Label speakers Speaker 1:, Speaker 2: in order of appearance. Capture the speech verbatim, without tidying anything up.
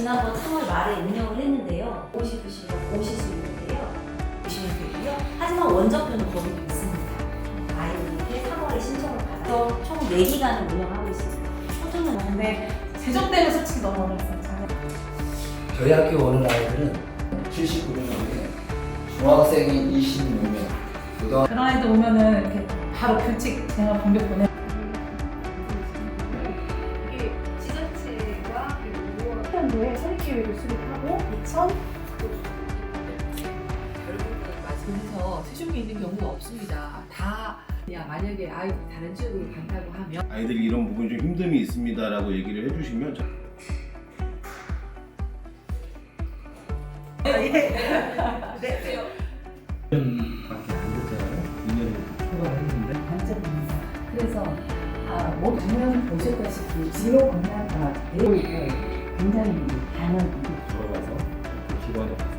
Speaker 1: 지난번 삼월 말에 운영을 했는데요. 오고 싶으시면 오실 수 있는데요. 오시면 되고요. 하지만 원정표는 거기도 있습니다. 아이들한테 삼월에 신청을 받아서 총 네 기간을 운영하고 있습니다. 초등은
Speaker 2: 근데 재정 때문에 솔직히 너무 어려웠어요.
Speaker 3: 저희 학교 오는 아이들은 칠십구 명인데 중학생이 이십육 명, 고등
Speaker 2: 그런 아이들 오면은 이렇게 바로 규칙 제가 공격 보내.
Speaker 4: 이게 지자체가 오월 일 년도에 설립계획을 수립하고 이천
Speaker 5: 그래서 세종이 있는 경우가 없습니다. 다 그냥 만약에 아이들이 다른 지역으로 간다고 하면
Speaker 6: 아이들이 이런 부분이 좀 힘듦이 있습니다라고 얘기를 해주시면 저-
Speaker 7: 일 년밖에 안 됐잖아요. 이 년을 초과했는데
Speaker 8: 단점입니다. 그래서 아, 뭐 작년 보셨다시피 진로 분야가 내용이 굉장히 다양한
Speaker 7: 들어가서 기관에